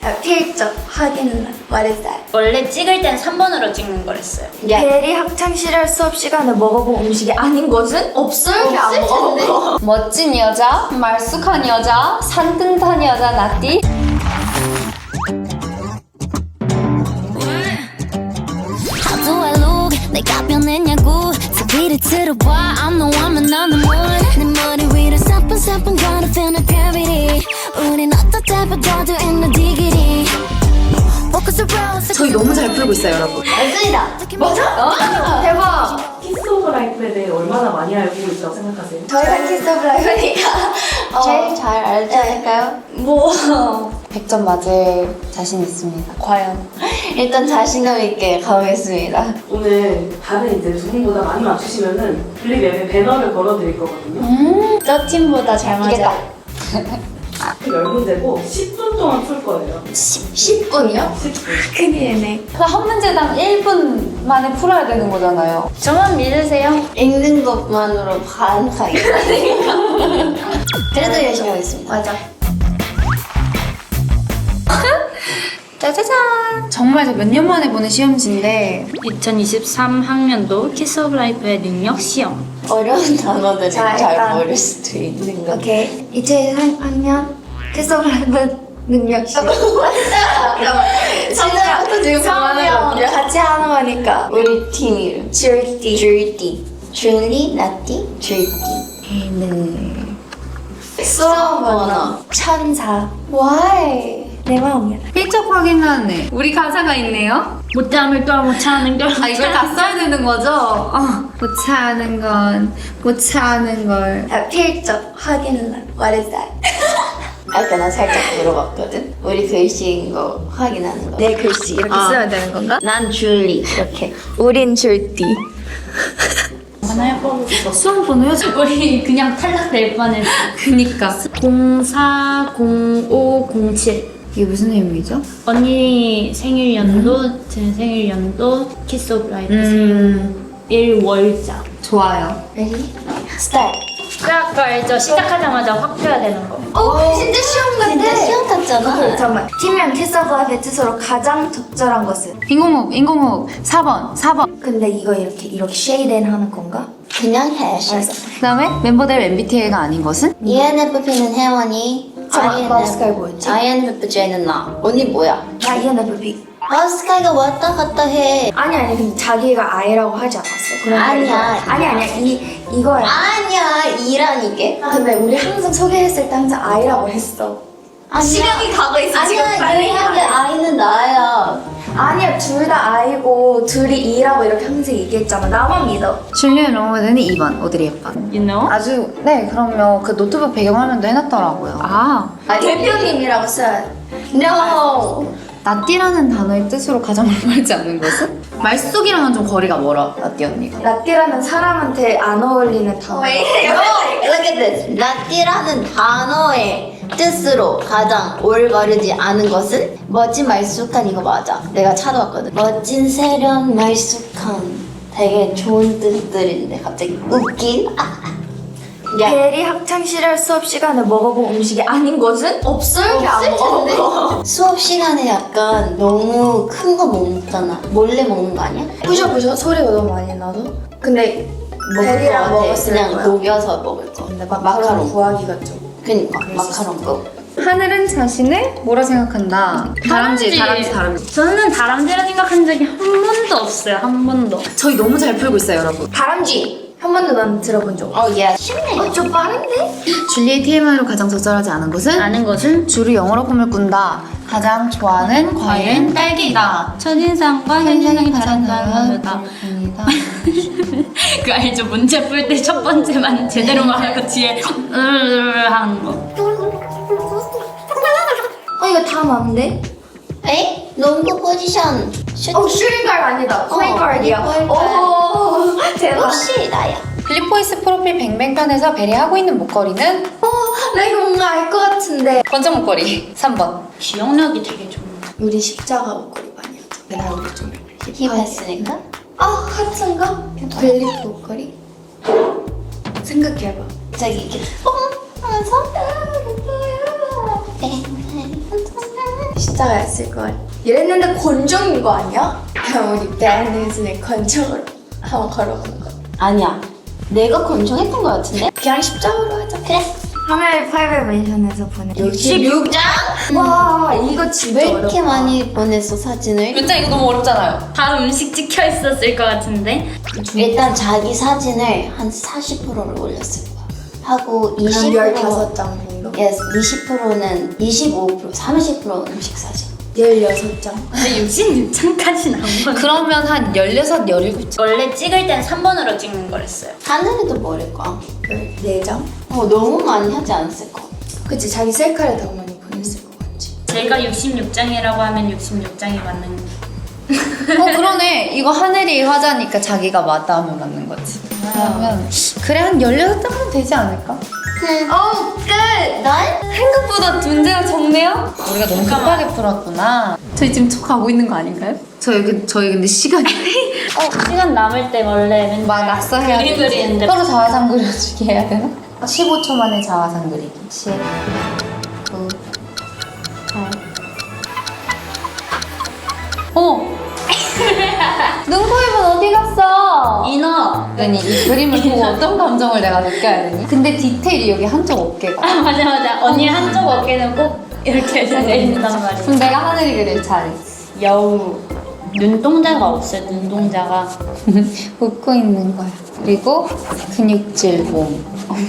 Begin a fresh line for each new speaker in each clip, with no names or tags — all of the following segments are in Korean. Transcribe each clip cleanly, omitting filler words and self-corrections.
필적 확인. What is that?
원래 찍을 땐 3번으로 찍는 거랬어요.
베리 학창시절 수업 시간에 먹어본 음식이 아닌 것은? 없을 텐데.
멋진 여자, 말쑥한 여자, 산뜻한 여자 나띠.
How do I look? 내가 변했냐고 TV를 틀어봐 I'm the woman on the moon 내 머리 위로 사뿐사뿐 거려 feel no gravity 우린 어떻게 바꿔도 ain't no diggity Focus around
저희 너무 잘 풀고 있어요, 여러분.
맞습니다. 맞아? 대박.
키스 오브 라이프에 대해 얼마나 많이 알고 있다고 생각하세요?
저희가 키스 오브 라이프니까 제일 잘 알지 않을까요?
뭐 100점 맞을 자신 있습니다.
과연. 일단 자신감 있게 가보겠습니다.
오늘 다른 이제 두 분보다 많이 맞추시면은 블리맵에 배너를 걸어드릴 거거든요.
저 팀보다 잘 맞아.
10문제고 10분 동안 풀 거예요.
10분이요?
10분.
큰일이네.
한 문제당 1분 만에 풀어야 되는 거잖아요.
저만 믿으세요.
읽는 것만으로 반 가겠다니까. 그래도 열심히 하겠습니다. 맞아.
짜자잔! 정말 저 몇 년 만에 보는 시험지인데
2023학년도 키스 오브 라이프의 능력 시험.
어려운 단어들을
자,
잘
일단.
모를 수도 있는 거. 오케이. 2023학년 키스 오브 라이프 능력 시험. 진짜부터 지금 그만하거든요. 같이 하는 거니까. 우리 팀 이름. 줄띠. 줄리, 나띠, 줄띠. 수업 언어. 천사. Why? 내 마음이야.
필적 확인하네. 우리 가사가 있네요.
못참을 걸 못참는 걸.
아, 이걸 다 써야 되는 거죠? 못 차는 건, 못 차는 걸.
필적 확인란. What is that? 아까 나 살짝 물어봤거든. 우리 글씨인 거 확인하는 거. 내 글씨 이렇게 써야 되는 건가? 난 줄리 이렇게. 우린 줄띠.
하나요? 수험 번호요? 우리 그냥 탈락될 뻔했어.
그니까.
040507.
이게 무슨 의미죠?
언니 생일 연도, 제 생일 연도, 키스 오브 라이프 생일 1월자.
좋아요.
Ready? Start.
그 아까 알죠? 시작하자마자 확 펴야 되는 거.
진짜 시험 같아. 진짜 시험 같잖아. 잠깐만. 팀명 키스 오브 라이프의 뜻으로 가장 적절한 것은?
인공호흡. 4번.
근데 이거 이렇게 쉐이덴 하는 건가? 그냥 해. 알았어.
그 다음에 멤버들 MBTI가 아닌 것은?
ENFP는 혜원이. 마우스카이 뭐였지? INFJ는 나. 언니 뭐야? 나 ENFP. 마우스카이가 왔다 갔다 해. 아니 근데 자기가 I라고 하지 않았어. 아니야. 아니야 이거야. 아니야 E란 이게. 근데 우리 항상 소개했을 때 항상 I라고 했어. 시간이 가고 있어 지금. 아니야 근데 I는 나야. 아니야 둘 다 I고 둘이 E라고 이렇게 항상 얘기했잖아. 나만 믿어.
줄리안 로머드는 2번, 오드리 헵번.
You know?
아주, 네, 그럼요. 그 노트북 배경화면도 해놨더라고요.
대표님이라고 써야 돼. No.
나띠라는 단어의 뜻으로 가장 올바르지 않은 것은? 말숙이랑은 좀 거리가 멀어, 나띠 언니가.
라띠라는 사람한테 안 어울리는 단어. Look at this. 라띠라는 단어의 뜻으로 가장 올바르지 않은 것은? 멋진 말쑥한 이거 맞아. 내가 찾아왔거든. 멋진 세련 말쑥한 되게 좋은 뜻들인데 갑자기 웃긴? 베리 학창시절 수업 시간에 먹어본 음식이 아닌 것은? 없을 텐데. 수업 시간에 약간 너무 큰 거 먹잖아. 몰래 먹는 거 아니야? 부셔 소리가 너무 많이 나서. 근데 베리랑 먹었을 그냥 거야. 녹여서 먹을 거. 근데 마카롱 구하기가 좀. 그니까 마카롱 거.
하늘은 자신을 뭐라 생각한다? 다람쥐.
저는 다람쥐라 생각한 적이 한 번도 없어요. 한 번도.
저희 너무 잘 풀고 있어요, 여러분.
다람쥐. 한 번도 난 들어본 적 없어. 예. 쉽네. 좀 빠른데?
줄리의 TMI로 가장 적절하지 않은 것은?
아는 것은
줄이 영어로 꿈을 꾼다. 가장 좋아하는 과일은 딸기다.
첫인상과 현실이 다르다. 그 알죠? 문제 풀 때 첫 번째만 제대로 말하고 뒤에 하는 거.
이거 다 맞는데? 에? 농구 포지션 슈팅가드 아니다. 포인트가드야. 오, 대박. 역시 나야.
블리포이스 프로필 뱅뱅편에서 베리하고 있는 목걸이는?
나 이거 뭔가 알 것 같은데.
번쩍 목걸이 3번.
기억력이 되게 좋은
우리 십자가 목걸이 많이 하죠. 나 우리 좀 힙했으니까. 하트인가? 벨리프 목걸이? 생각해봐. 갑자기 이렇게 하면서 십자가 있을걸. 이랬는데 권총인 거 아니야? 그럼 우리 밴드에서는 권총으로 한번 걸어보는 거. 아니야. 내가 권총했던 거 같은데? 그냥 십자가로 하자. 그래. 하나의 800멘션에서 보낸 66장? 와 이거 진짜 왜 이렇게 어렵다. 많이 보냈어 사진을?
진짜 이거 너무 어렵잖아요.
다 음식 찍혀 있었을 것 같은데.
일단 자기 사진을 한 40%를 올렸을 거야. 하고 20%
15장 정도?
yes, 20%는 25%, 30% 음식 사진.
16장?
근데 66장까지는 안 본.
그러면 한 16, 17장.
원래 찍을 땐 3번으로 찍는 거랬어요.
하늘이도 뭐랄 거야?
14장?
너무 많이 하지 않았을까?
그치, 자기 셀카를 더 많이 보냈을 것 같지.
제가 66장이라고 하면 66장이 맞는
그러네. 이거 하늘이 화자니까 자기가 맞다 하면 맞는 거지. 그러면 그래 한 16장은 되지 않을까?
어우 끝! 넌?
생각보다 문제가 적네요? 우리가 너무 급하게 풀었구나. 저희 지금 초 가고 있는 거 아닌가요? 저희 근데 시간이
시간 남을 때 원래 맨날
막 낙서해야
그림
되지.
그리는데
서로 자화상 그려주기 해야 되나? 15초 만에 자화상 그리기. 10, 9, 8. 어머! 눈코입은 어디 갔어?
인어.
아니 이 그림을 보고 어떤 감정을 내가 느껴야 되니? 근데 디테일이 여기 한쪽 어깨가.
아 맞아. 언니 한쪽 어깨는 꼭 이렇게 돼 있단 말이야.
그럼 내가 하늘이 그릴 차례.
여우. 눈동자가 없어요. 눈동자가.
웃고 있는 거야. 그리고 근육질 몸.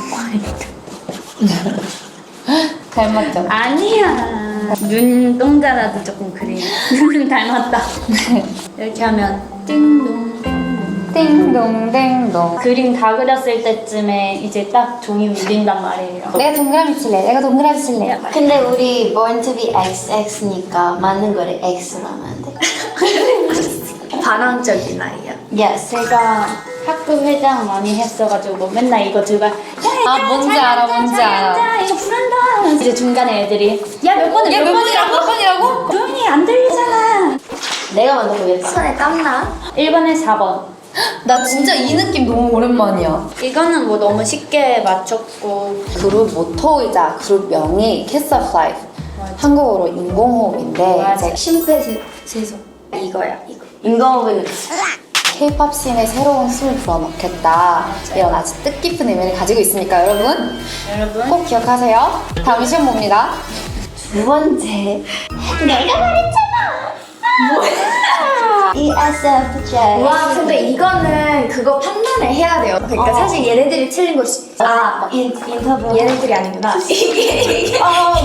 닮았죠?
아니야. 눈동자라도 조금 그리고 닮았다. 이렇게 하면 띵동 띵동.
띵동댕동.
그림 다 그렸을 때쯤에 이제 딱 종이 울린단 말이에요.
내가 동그라미 칠래. 내가 동그라미 칠래.
근데 우리 born to be XX니까 맞는 거를 X로 하면 안 돼?
반항적인 아이야.
Yes.
제가 학교 회장 많이 했어가지고 맨날 이거 들고
뭔지 알아, 뭔지 알아.
이거 부른다. 이제 중간에 애들이 야 몇 번이라고?
몇 번이라고?
조용히 안 들리잖아.
내가 먼저 보겠어.
손에 땀나?
1번에 4번.
나 진짜 이 느낌 너무 오랜만이야.
이거는 뭐 너무 쉽게 맞췄고
그룹 모토이자 그룹명이 Kiss of Life. 한국어로 인공호흡인데
맞아.
이제
심폐세소. 이거야, 이거.
인공호흡은
K-pop 씬에 새로운 숨을 불어넣겠다. 이런 아주 뜻깊은 의미를 가지고 있으니까 여러분
여러분
꼭 기억하세요. 다음 시험 봅니다.
두 번째. 내가 말했잖아. 뭐야? ESFJ.
와, 근데 이거는 그거 판단을 해야 돼요. 그러니까 사실 얘네들이 틀린 걸 수...
인터뷰.
얘네들이 아니구나. 이게.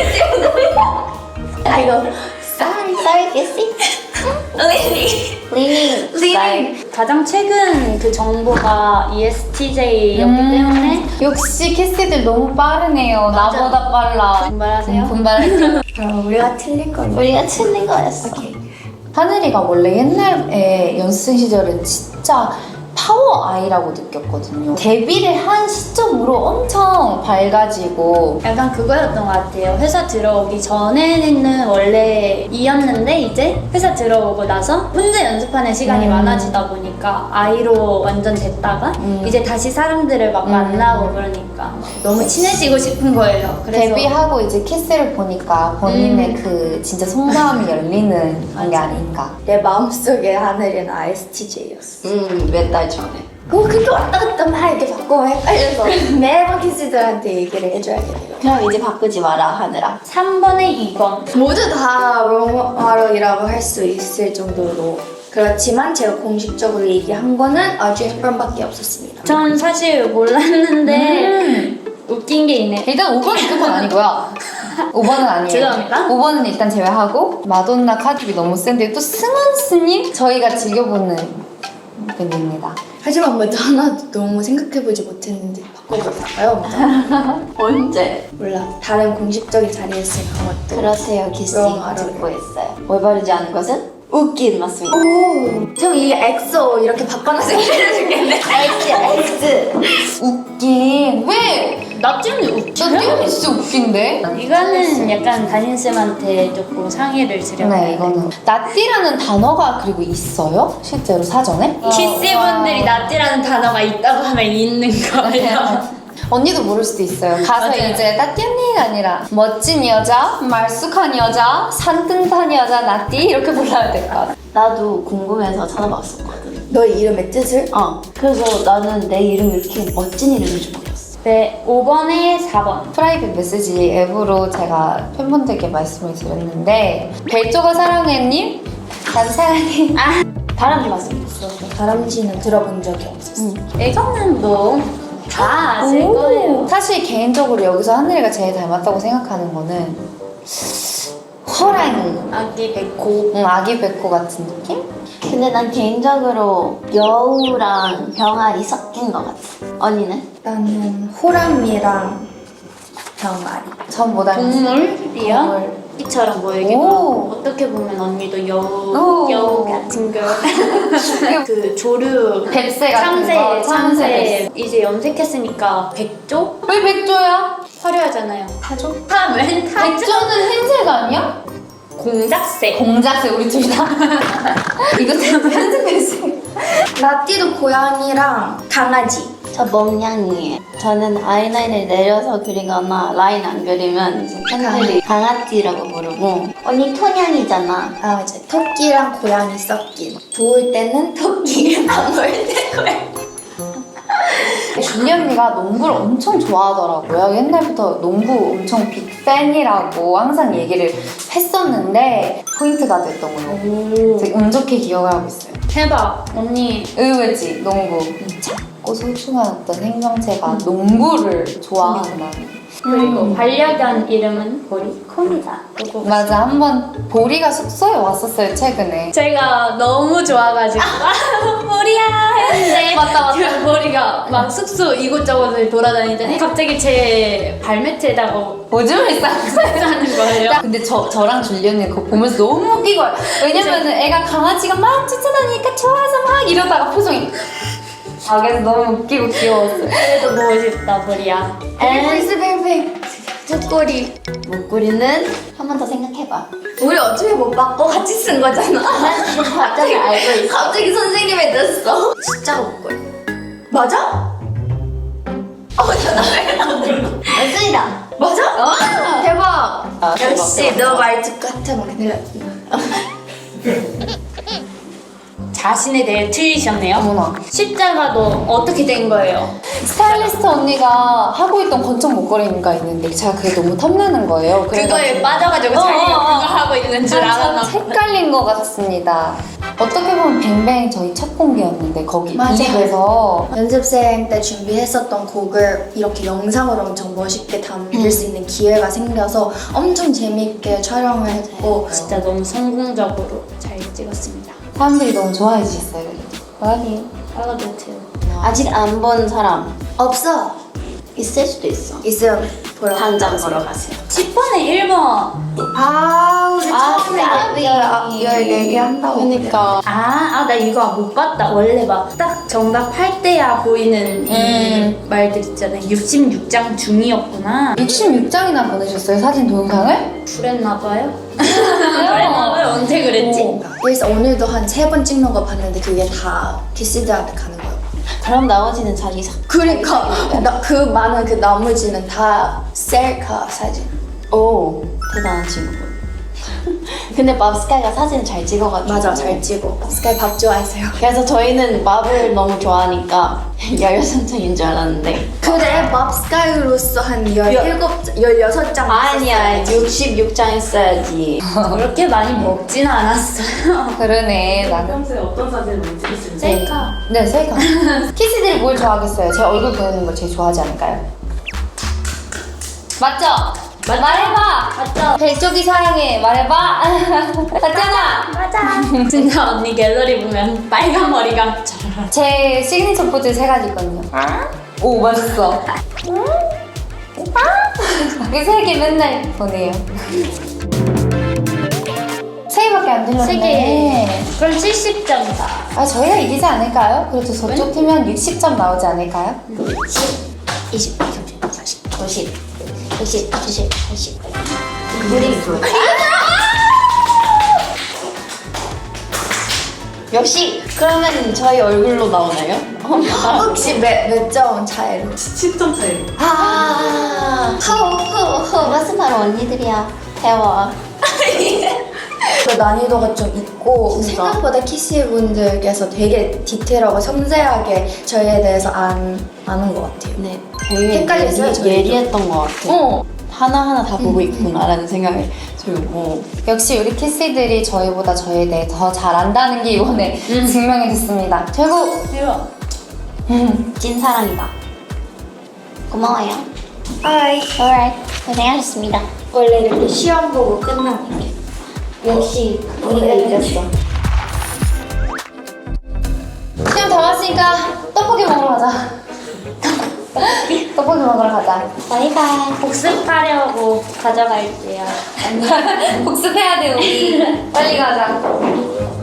이거.
Sorry, Kissy. Leaning.
가장 최근 그 정보가 ESTJ였기 때문에
역시 캐시들 너무 빠르네요. 나보다 빨라.
분발하세요.
분발.
우리가 틀린 걸.
우리가 틀린 거였어.
하늘이가 원래 옛날에 연습생 시절은 진짜 파워 아이라고 느꼈거든요. 데뷔를 한 시점으로 엄청 밝아지고
약간 그거였던 것 같아요. 회사 들어오기 전에는 원래 이었는데 이제 회사 들어오고 나서 혼자 연습하는 시간이 많아지다 보니까 아이로 완전 됐다가 이제 다시 사람들을 막 만나고 그러니까 너무 친해지고 싶은 거예요. 그래서
데뷔하고 이제 키스를 보니까 본인의 그 진짜 속마음이 열리는 게 아닌가.
내 마음속에 하늘은 ISTJ였어.
몇 달 전에.
그렇게 왔다 갔다 막 이렇게 바꾸면 헷갈려서 매번 키스들한테 얘기를 해줘야겠네요.
그럼 이제 바꾸지 마라 하느라.
3번에 2번.
모두 다 롱하러이라고 할 수 있을 정도로 그렇지만 제가 공식적으로 얘기한 거는 아주 한 번밖에 없었습니다.
전 사실 몰랐는데 웃긴 게 있네.
일단 5번은 그건 아니고요. 5번은 아니에요.
죄송합니다.
5번은 일단 제외하고 마돈나 카드비 너무 센데 또 승원스님 저희가 즐겨보는 분입니다.
하지만 먼저 하나 너무 생각해보지 못했는데 바꿔볼까요?
언제?
몰라. 다른 공식적인 자리에서 그것도.
그렇대요, 키스.
롱하러.
듣고 있어요. 올바르지 않은 것은 웃긴 맞습니다.
오, 좀 이 엑소 이렇게 바꿔놔서 얘기해주겠네.
X.
웃긴. 왜?
나 찌는 웃겨.
나 띄우니 진짜 웃긴데?
이거는 약간 담임쌤한테 조금 상의를 드려요.
네, 이거는 나띠라는 단어가 그리고 있어요? 실제로 사전에?
키스분들이 나띠라는 단어가 있다고 하면 있는 거예요.
언니도 모를 수도 있어요. 가서
맞아요.
이제 나띠 언니가 아니라 멋진 여자, 말쑥한 여자, 산뜻한 여자 나띠 이렇게 불러야 될 것 같아.
나도 궁금해서 찾아봤었거든.
너의 이름의 뜻을?
그래서 나는 내 이름이 이렇게 멋진 이름인 줄 몰랐어.
네, 5번에 4번.
프라이빗 메시지 앱으로 제가 팬분들께 말씀을 드렸는데 벨조가 사랑해님, 난 사랑해.
다람쥐 봤으면 좋겠어.
다람쥐는 들어본 적이 없었어.
이거는 뭐 다 아실 거예요.
사실 개인적으로 여기서 하늘이가 제일 닮았다고 생각하는 거는 호랑이,
아기 백호.
아기 백호 같은 느낌?
근데 난 개인적으로 여우랑 병아리 섞인 것 같아. 언니는?
나는 호랑이랑 병아리.
전 뭐 닮았어요?
동물이요?
동물.
이처럼 보이기도
오.
하고 어떻게 보면 언니도
오.
여우 같은 걸. 그 조류
뱁새 같은
참새,
거,
참새 이제 염색했으니까 백조?
왜 백조야?
화려하잖아요.
타조?
타면 타조?
백조는 흰색 아니야?
공작새.
공작새 우리 둘 다. 이거 편집했어요.
나띠도 고양이랑 강아지.
저 멍냥이에요. 저는 아이라인을 내려서 그리거나 라인 안 그리면 이제 팬들이 강아지라고 부르고 언니 토냥이잖아.
아 맞아. 토끼랑 고양이 섞인. 좋을 때는 토끼, 안 좋을 때 고양이.
줄리 언니가 농구를 엄청 좋아하더라고요. 옛날부터 농구 엄청 빅팬이라고 항상 얘기를 했었는데 포인트가 됐던 걸로 되게 운 좋게 기억을 하고 있어요.
대박. 언니
의외지 농구. 작고 소중한 어떤 생명체가 농구를 좋아하구나.
그리고 반려견 이름은 보리 콤이다.
맞아, 한번 보리가 숙소에 왔었어요 최근에.
제가 너무 좋아가지고 보리야 했는데
맞다.
그 보리가 막 숙소 이곳저곳을 돌아다니더니 갑자기 제 발매트에다가
오줌을 쌌어요.
하는 거예요.
근데 저랑 줄리 언니 그거 보면서 너무 웃긴 거예요. 왜냐면은 애가 강아지가 막 쫓아다니니까 좋아서 막 이러다가 표정이 그래서 너무 웃기고 귀여웠어요.
그래도 보고 싶다 보리야.
베이베.
목걸이. 목걸이는 한 번 더 생각해봐.
우리 어차피 못 바꿔 같이 쓴 거잖아.
난 지금 답장을 알고 있어.
갑자기 선생님이 됐어. 숫자가 목걸이. 맞아?
맞습니다.
맞아? 대박. 역시
대박.
너 말투 같으면 큰일 났다.
자신에 대해 틀리셨네요.
어머나.
십자가도 어떻게 된 거예요?
스타일리스트 언니가 하고 있던 건청 목걸이가 있는데 제가 그게 너무 탐나는 거예요.
그거에 빠져가지고 자기가 그거 하고 있는 줄 알았나 봐.
헷갈린 것 같습니다. 어떻게 보면 뱅뱅 저희 첫 공개였는데 거기
맞아요.
이집에서
연습생 때 준비했었던 곡을 이렇게 영상으로 엄청 멋있게 담을 수 있는 기회가 생겨서 엄청 재밌게 촬영을 했고
진짜 너무 성공적으로 잘 찍었습니다.
사람들이 너무 좋아해 주셨어요. 많이.
팔로도트.
아직 안 본 사람
없어.
있을 수도 있어.
있으면 보러
당장
가세요.
보러 가세요.
10번에 1번.
우리 처음에
까비.
14개 한다고.
그러니까.
나 이거 못 봤다. 원래 막 딱 정답 할 때야 보이는 이 말들 있잖아요. 66장 중이었구나.
66장이나 보내셨어요, 사진 동영상을?
그랬나봐요. 그랬나봐요. 언제 그랬지?
그래서 오늘도 한 3번 찍는 거 봤는데 그게 다 디시드한테 가는 거예요.
그럼 나머지는 자기
그러니까 그 많은 그 나머지는 다 셀카 사진.
오 대단한 친구분. 근데 맙스카이가 사진을 잘 찍어가지고
맞아, 잘 찍어. 스카이 밥 좋아하세요.
그래서 저희는 맙을 너무 좋아하니까 16장인 줄 알았는데
그래, 맙스카이로서 한 16장
아니야 66장 했어야지.
그렇게 많이 먹진 않았어요.
그러네, 나는.
평소에 어떤 사진을 많이 찍으시는지.
셀카.
네, 셀카. 키스들이 뭘 좋아하겠어요? 제 얼굴 보이는 걸 제일 좋아하지 않을까요? 맞죠? 말해봐!
맞죠?
벨쪽이 사랑해, 말해봐! 맞잖아!
맞아. 진짜 언니 갤러리 보면 빨간 머리가
제 시그니처 포즈 3가지 있거든요. 오, 맛있어. 이 3개 맨날 보내요. 3개밖에 안 들렸네.
3개. 그럼 70점이다.
아, 저희가 이기지 않을까요? 그래도 저쪽 팀은 60점 나오지 않을까요?
20, 30, 40, 50, 60, 70, 80. 우리 역시 그러면 저희 얼굴로 나오나요?
혹시 몇 점 차이로?
10점 차이.
무슨 말 언니들이야. 배워.
그 난이도가 좀 있고
진짜?
생각보다 키시 분들께서 되게 디테일하고 섬세하게 저희에 대해서 아는 것 같아요.
네, 되게
헷갈렸어요, 저희도.
예리했던 것 같아요. 하나하나 다 보고
음.
있구나라는 생각이 들고.
역시 우리 키스들이 저희보다 저희에 대해 더 잘 안다는 게 이번에 증명이 됐습니다. 최고!
대박.
찐사랑이다. 고마워요.
Alright.
alright. 고생하셨습니다.
원래 이렇게 시험 보고 끝나는 게
역시 우리가 이겼어.
시험 다 왔으니까 떡볶이 먹으러 가자. 떡볶이 먹으러 가자.
바이바이.
복습하려고 가져갈게요.
복습해야 돼, 우리. 빨리 가자.